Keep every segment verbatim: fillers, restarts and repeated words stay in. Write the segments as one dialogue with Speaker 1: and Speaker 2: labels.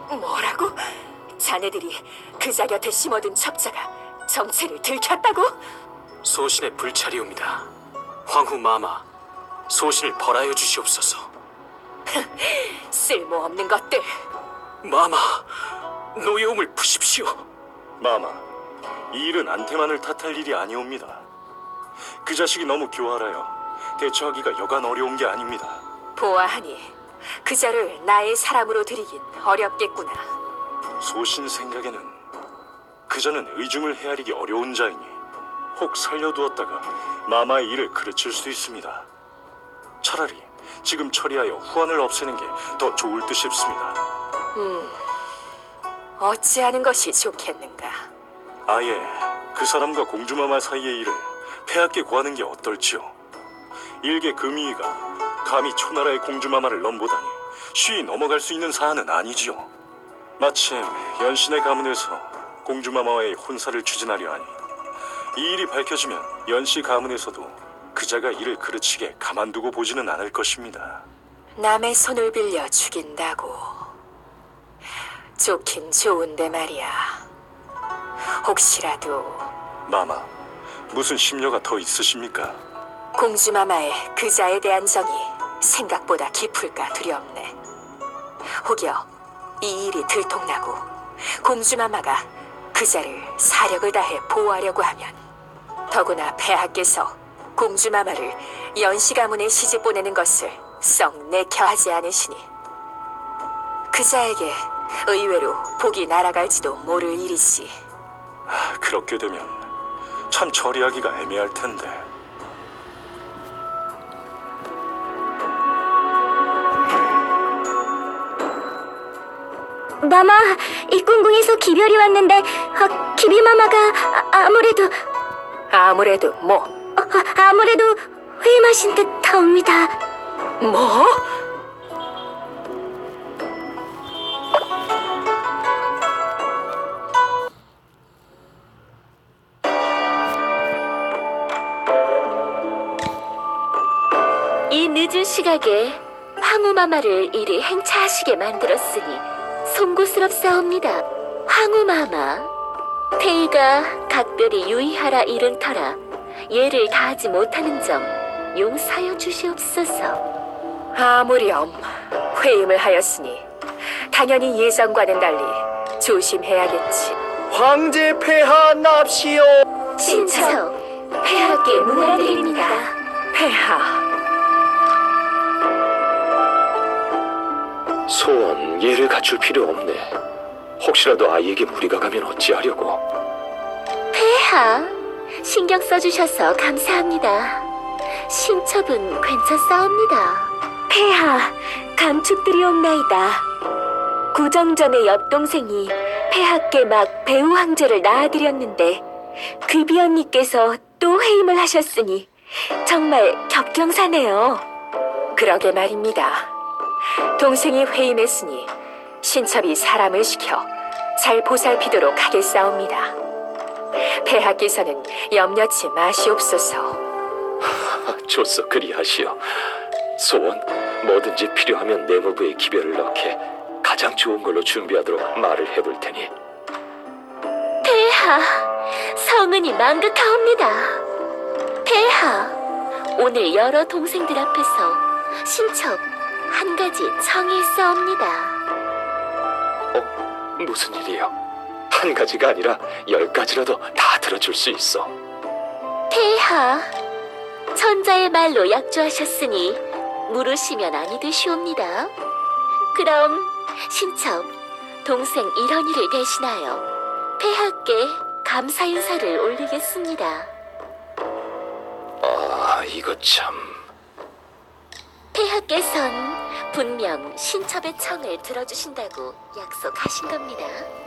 Speaker 1: 뭐라고? 자네들이 그자 곁에 심어둔 첩자가 정체를 들켰다고?
Speaker 2: 소신의 불찰이옵니다. 황후 마마, 소신을 벌하여 주시옵소서.
Speaker 1: 쓸모없는 것들.
Speaker 2: 마마, 노여움을 푸십시오.
Speaker 3: 마마, 이 일은 안테만을 탓할 일이 아니옵니다. 그 자식이 너무 교활하여 대처하기가 여간 어려운 게 아닙니다.
Speaker 1: 보아하니 그자를 나의 사람으로 들이긴 어렵겠구나.
Speaker 3: 소신 생각에는 그자는 의중을 헤아리기 어려운 자이니 혹 살려두었다가 마마의 일을 그르칠 수 있습니다. 차라리 지금 처리하여 후환을 없애는 게 더 좋을 듯 싶습니다.
Speaker 1: 음, 어찌하는 것이 좋겠는가?
Speaker 3: 아예 그 사람과 공주마마 사이의 일을 폐하께 구하는 게 어떨지요? 일개 금이가 감히 초나라의 공주마마를 넘보다니 쉬이 넘어갈 수 있는 사안은 아니지요. 마침 연신의 가문에서 공주마마와의 혼사를 추진하려 하니 이 일이 밝혀지면 연씨 가문에서도 그자가 이를 그르치게 가만두고 보지는 않을 것입니다.
Speaker 1: 남의 손을 빌려 죽인다고. 좋긴 좋은데 말이야. 혹시라도
Speaker 3: 마마, 무슨 심려가 더 있으십니까?
Speaker 1: 공주마마의 그자에 대한 정이 생각보다 깊을까 두렵네. 혹여 이 일이 들통나고 공주마마가 그자를 사력을 다해 보호하려고 하면, 더구나 폐하께서 공주마마를 연씨 가문에 시집 보내는 것을 썩 내켜하지 않으시니 그자에게 의외로 복이 날아갈지도 모를 일이지.
Speaker 3: 아, 그렇게 되면 참 처리하기가 애매할 텐데.
Speaker 4: 마마, 입궁궁에서 기별이 왔는데 아, 기비마마가 아, 아무래도
Speaker 1: 아무래도 뭐?
Speaker 4: 아, 아무래도 회임하신 듯합니다.
Speaker 1: 뭐?
Speaker 4: 이 늦은 시각에 황후마마를 이리 행차하시게 만들었으니 송구스럽사옵니다. 황후마마, 태희가 각별히 유의하라 이른 터라 예를 다하지 못하는 점 용서하여 주시옵소서.
Speaker 1: 아무렴 회임을 하였으니 당연히 예정과는 달리 조심해야겠지.
Speaker 5: 황제 폐하 납시오.
Speaker 4: 신처, 폐하께 문안드립니다.
Speaker 1: 폐하,
Speaker 6: 소원 예를 갖출 필요 없네. 혹시라도 아이에게 무리가 가면 어찌하려고.
Speaker 4: 폐하, 신경 써주셔서 감사합니다. 신첩은 괜찮사옵니다. 폐하, 감축드리옵나이다. 구정전의 옆동생이 폐하께 막 배우 황제를 낳아드렸는데 귀비 언니께서 또 회임을 하셨으니 정말 격경사네요.
Speaker 1: 그러게 말입니다. 동생이 회임했으니 신첩이 사람을 시켜 잘 보살피도록 하겠사옵니다. 폐하께서는 염려치 마시옵소서.
Speaker 6: 좋소, 그리하시오. 소원 뭐든지 필요하면 내무부에 기별을 넣게 가장 좋은 걸로 준비하도록 말을 해볼 테니.
Speaker 4: 폐하, 성은이 망극하옵니다. 폐하, 오늘 여러 동생들 앞에서 신첩 한 가지 청의했사옵니다.
Speaker 6: 어? 무슨 일이요? 한 가지가 아니라 열 가지라도 다 들어줄 수 있어.
Speaker 4: 폐하, 천자의 말로 약조하셨으니 물으시면 아니 되시옵니다. 그럼 신첩, 동생 일원이를 대신하여 폐하께 감사 인사를 올리겠습니다.
Speaker 6: 아, 이거 참...
Speaker 4: 폐하께선 분명 신첩의 청을 들어주신다고 약속하신 겁니다.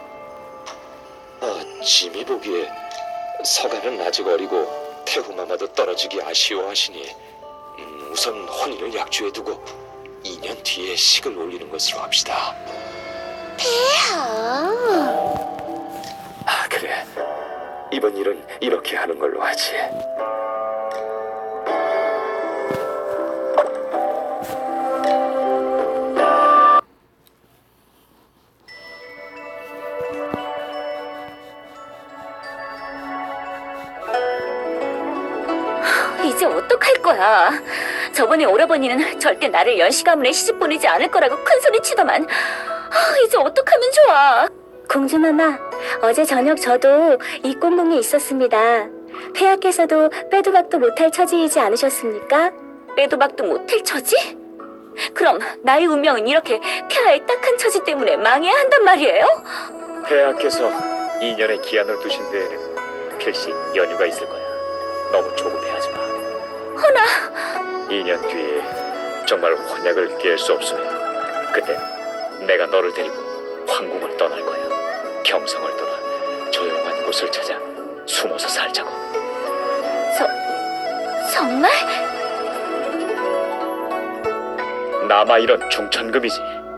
Speaker 6: 아, 짐이 보기에 서가는 아직 어리고 태후마마도 떨어지기 아쉬워하시니 음, 우선 혼인을 약주해두고 이 년 뒤에 식을 올리는 것으로 합시다.
Speaker 4: 폐하,
Speaker 6: 아, 그래. 이번 일은 이렇게 하는 걸로 하지.
Speaker 4: 거야. 저번에 오라버니는 절대 나를 연시 가문에 시집 보내지 않을 거라고 큰 소리 치더만. 아, 이제 어떡하면 좋아. 공주마마, 어제 저녁 저도 이 꽁궁에 있었습니다. 폐하께서도 빼도 박도 못할 처지이지 않으셨습니까? 빼도 박도 못할 처지? 그럼 나의 운명은 이렇게 폐하의 딱한 처지 때문에 망해야 한단 말이에요?
Speaker 7: 폐하께서 이 년의 기한을 두신 데에는 필시 연유가 있을 거야. 너무 조급해하지 마.
Speaker 4: 허나
Speaker 7: 이 년 뒤에 정말 혼약을 깰 수 없으면 그때 내가 너를 데리고 황궁을 떠날 거야. 경성을 떠나 조용한 곳을 찾아 숨어서 살자고.
Speaker 4: 저... 정말?
Speaker 7: 남아 이런 중천금이지.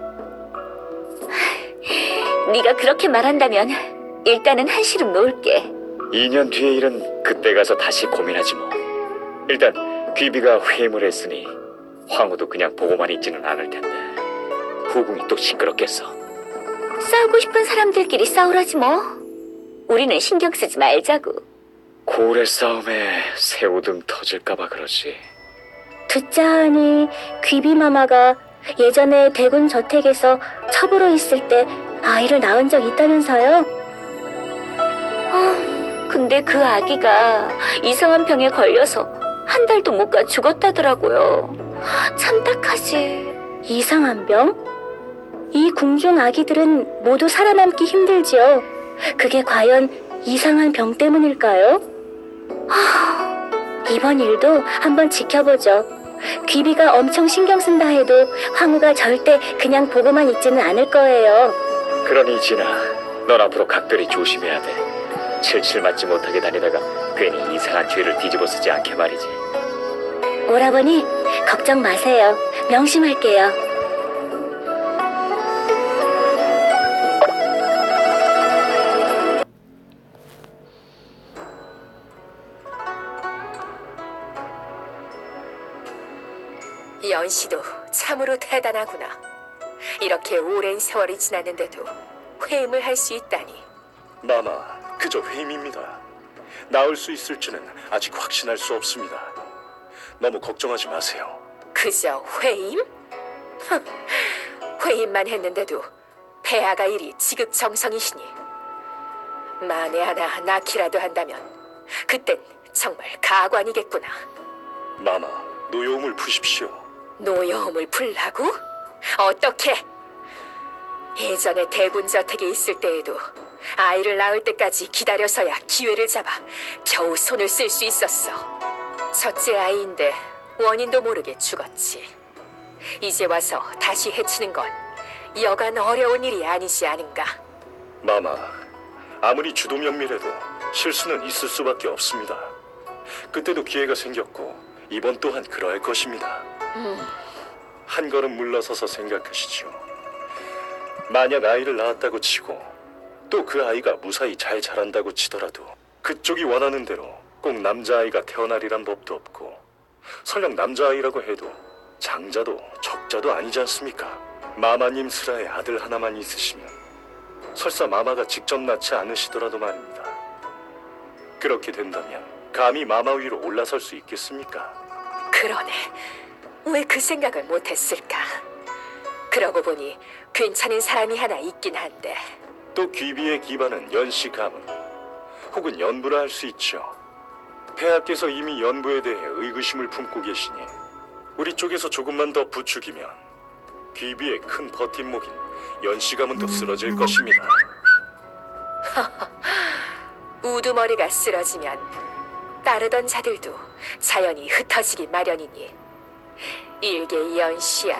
Speaker 4: 네가 그렇게 말한다면 일단은 한시름 놓을게.
Speaker 7: 이 년 뒤의 일은 그때 가서 다시 고민하지 뭐. 일단 귀비가 회임을 했으니 황후도 그냥 보고만 있지는 않을 텐데 후궁이 또 시끄럽겠어.
Speaker 4: 싸우고 싶은 사람들끼리 싸우라지 뭐. 우리는 신경 쓰지 말자고.
Speaker 7: 고래 싸움에 새우등 터질까봐 그러지.
Speaker 4: 듣자 하니 귀비마마가 예전에 대군 저택에서 첩으로 있을 때 아이를 낳은 적 있다면서요? 아, 근데 그 아기가 이상한 병에 걸려서 한 달도 못 가 죽었다더라고요. 참 딱하지. 이상한 병? 이 궁중 아기들은 모두 살아남기 힘들지요. 그게 과연 이상한 병 때문일까요? 하, 이번 일도 한번 지켜보죠. 귀비가 엄청 신경 쓴다 해도 황후가 절대 그냥 보고만 있지는 않을 거예요.
Speaker 7: 그러니 진아, 넌 앞으로 각별히 조심해야 돼. 칠칠 맞지 못하게 다니다가 괜히 이상한 죄를 뒤집어 쓰지 않게 말이지.
Speaker 4: 오라버니, 걱정 마세요. 명심할게요.
Speaker 1: 연씨도 참으로 대단하구나. 이렇게 오랜 세월이 지났는데도 회임을 할 수 있다니.
Speaker 3: 마마, 그저 회임입니다. 나을 수 있을지는 아직 확신할 수 없습니다. 너무 걱정하지 마세요.
Speaker 1: 그저 회임? 흠, 회임만 했는데도 폐하가 이리 지극정성이시니. 만에 하나 낳기라도 한다면 그땐 정말 가관이겠구나.
Speaker 3: 마마, 노여움을 푸십시오.
Speaker 1: 노여움을 풀라고? 어떻게? 예전에 대군 저택에 있을 때에도 아이를 낳을 때까지 기다려서야 기회를 잡아 겨우 손을 쓸 수 있었어. 첫째 아이인데 원인도 모르게 죽었지. 이제 와서 다시 해치는 건 여간 어려운 일이 아니지 않은가?
Speaker 3: 마마, 아무리 주도면밀해도 실수는 있을 수밖에 없습니다. 그때도 기회가 생겼고 이번 또한 그러할 것입니다.
Speaker 1: 음.
Speaker 3: 한 걸음 물러서서 생각하시죠. 만약 아이를 낳았다고 치고 또 그 아이가 무사히 잘 자란다고 치더라도 그쪽이 원하는 대로 꼭 남자아이가 태어나리란 법도 없고, 설령 남자아이라고 해도 장자도 적자도 아니지 않습니까? 마마님 슬하에 아들 하나만 있으시면 설사 마마가 직접 낳지 않으시더라도 말입니다. 그렇게 된다면 감히 마마 위로 올라설 수 있겠습니까?
Speaker 1: 그러네. 왜 그 생각을 못했을까? 그러고 보니 괜찮은 사람이 하나 있긴 한데.
Speaker 3: 또 귀비의 기반은 연씨 가문 혹은 연부라 할 수 있죠. 폐하께서 이미 연부에 대해 의구심을 품고 계시니 우리 쪽에서 조금만 더 부추기면 귀비의 큰 버팀목인 연씨 가문도 쓰러질 것입니다.
Speaker 1: 우두머리가 쓰러지면 따르던 자들도 자연히 흩어지기 마련이니 일개연씨야.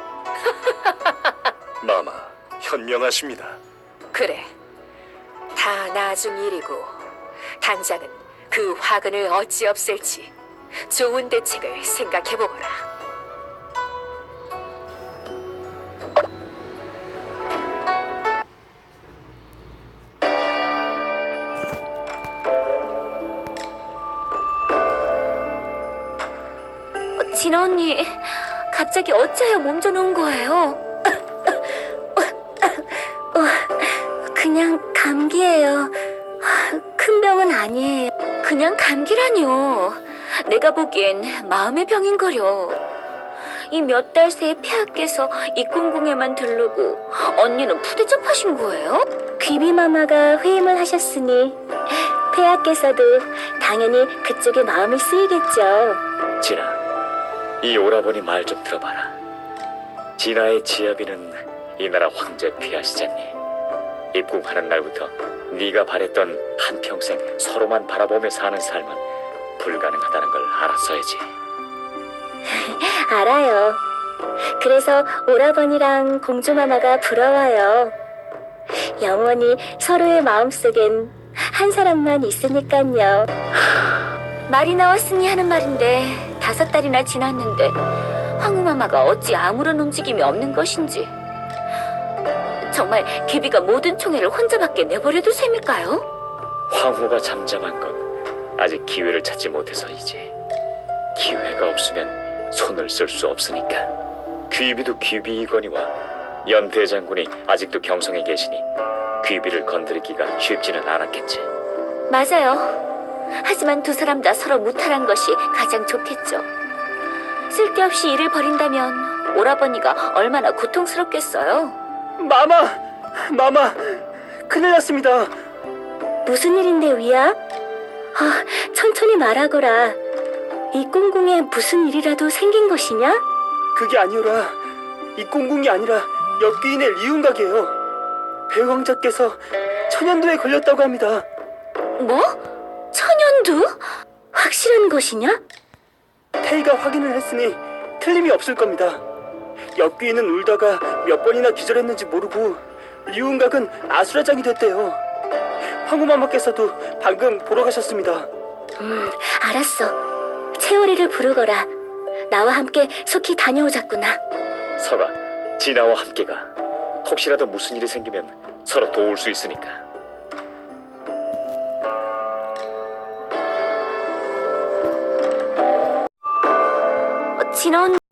Speaker 3: 마마, 현명하십니다.
Speaker 1: 그래, 다 나중 일이고 당장은 그 화근을 어찌 없앨지 좋은 대책을 생각해보거라.
Speaker 4: 진아 언니, 갑자기 어째요 몸져놓은 거예요? 어, 그냥 감기예요. 큰 병은 아니에요. 그냥 감기라뇨. 내가 보기엔 마음의 병인거려. 이 몇 달 새에 폐하께서 입궁궁에만 들르고 언니는 푸대접하신 거예요? 귀비마마가 회임을 하셨으니 폐하께서도 당연히 그쪽에 마음이 쓰이겠죠.
Speaker 7: 진아, 이 오라버니 말 좀 들어봐라. 진아의 지아비는 이 나라 황제 폐하시잖니. 입궁하는 날부터 네가 바랬던 한평생 서로만 바라보며 사는 삶은 불가능하다는 걸 알았어야지.
Speaker 4: 알아요. 그래서 오라버니랑 공주마마가 부러워요. 영원히 서로의 마음속엔 한 사람만 있으니깐요. 말이 나왔으니 하는 말인데 다섯 달이나 지났는데 황후마마가 어찌 아무런 움직임이 없는 것인지. 정말 귀비가 모든 총애를 혼자밖에 내버려둘 셈일까요?
Speaker 7: 황후가 잠잠한 건 아직 기회를 찾지 못해서이지. 기회가 없으면 손을 쓸 수 없으니까. 귀비도 귀비이거니와 연 대장군이 아직도 경성에 계시니 귀비를 건드리기가 쉽지는 않았겠지.
Speaker 4: 맞아요. 하지만 두 사람 다 서로 무탈한 것이 가장 좋겠죠. 쓸데없이 일을 벌인다면 오라버니가 얼마나 고통스럽겠어요.
Speaker 5: 마마, 마마, 큰일 났습니다.
Speaker 4: 무슨 일인데 위야? 아, 천천히 말하거라. 이 꽁궁에 무슨 일이라도 생긴 것이냐?
Speaker 5: 그게 아니오라. 이 꽁궁이 아니라 역귀인의 리운각이에요. 배왕자께서 천연두에 걸렸다고 합니다.
Speaker 4: 뭐? 천연두? 확실한 것이냐?
Speaker 5: 태희가 확인을 했으니 틀림이 없을 겁니다. 역귀인은 울다가 몇 번이나 기절했는지 모르고 리운각은 아수라장이 됐대요. 황후마마께서도 방금 보러 가셨습니다.
Speaker 4: 음, 알았어. 채월이를 부르거라. 나와 함께 속히 다녀오자꾸나.
Speaker 7: 서가, 진아와 함께 가. 혹시라도 무슨 일이 생기면 서로 도울 수 있으니까.
Speaker 4: 어, 진아 언니.